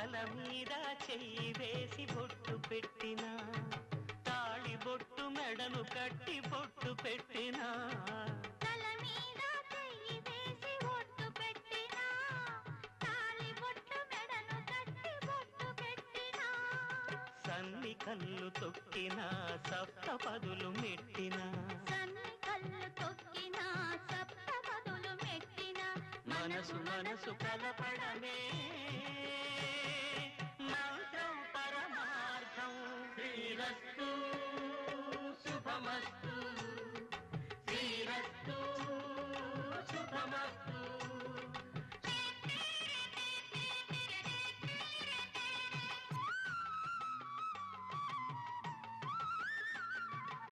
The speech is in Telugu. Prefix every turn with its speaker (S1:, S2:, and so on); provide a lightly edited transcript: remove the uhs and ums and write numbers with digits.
S1: తల మీద చెయ్యి వేసి బొట్టు పెట్టినా తాళి బొట్టు మెడను కట్టి బొట్టు పెట్టినా
S2: తల మీద చెయ్యి వేసి బొట్టు పెట్టినా తాళి బొట్టు మెడను కట్టి బొట్టు పెట్టినా
S1: సన్ని కళ్ళు తొక్కినా సప్త పదులు మెట్టినా
S2: సన్ని కళ్ళు తొక్కినా సప్త పదులు మెట్టినా
S1: మనసు మనసు కలపడమే మంత్రం పరమార్థం శ్రీరస్తు శుభమస్తు